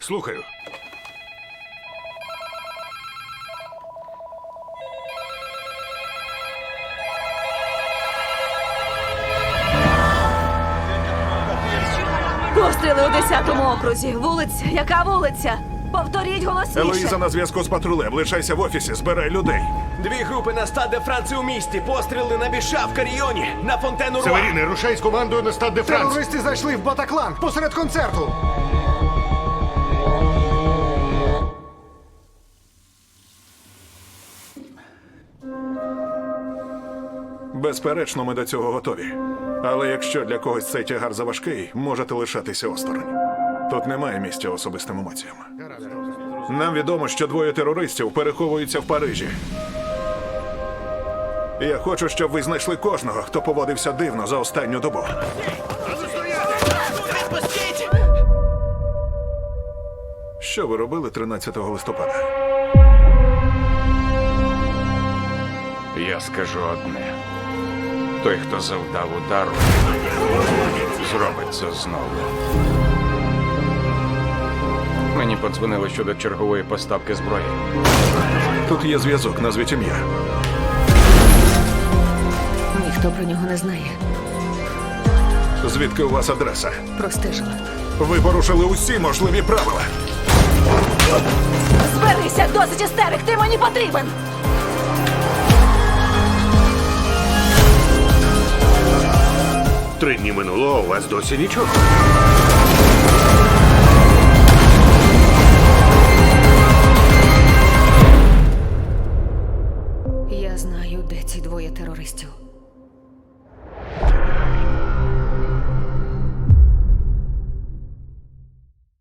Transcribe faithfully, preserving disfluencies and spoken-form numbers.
Слухаю. Постріли у десятому окрузі. Вулиця. Яка вулиця? Повторіть голосніше. Елоїза на зв'язку з патрулем. Лишайся в офісі, збирай людей. Дві групи на стад де Франци у місті. Постріли на Біша в Каріоні, на Фонтену Руа. Северіни, рушай з командою на стад де Франс. Терористи зайшли в Батаклан посеред концерту. Безперечно, ми до цього готові. Але якщо для когось цей тягар заважкий, можете лишатися осторонь. Тут немає місця особистим емоціям. Нам відомо, що двоє терористів переховуються в Парижі. Я хочу, щоб ви знайшли кожного, хто поводився дивно за останню добу. Відпустіть! Що ви робили тринадцятого листопада? Я скажу одне. Той, хто завдав удару, зробить це знову. Мені подзвонили щодо чергової поставки зброї. Тут є зв'язок, назвіть ім'я. Ніхто про нього не знає. Звідки у вас адреса? Простежила. Ви порушили усі можливі правила. Зберися, досить істерик, ти мені потрібен! Три дні минуло, а у вас досі нічого. Я знаю, де ці двоє терористів.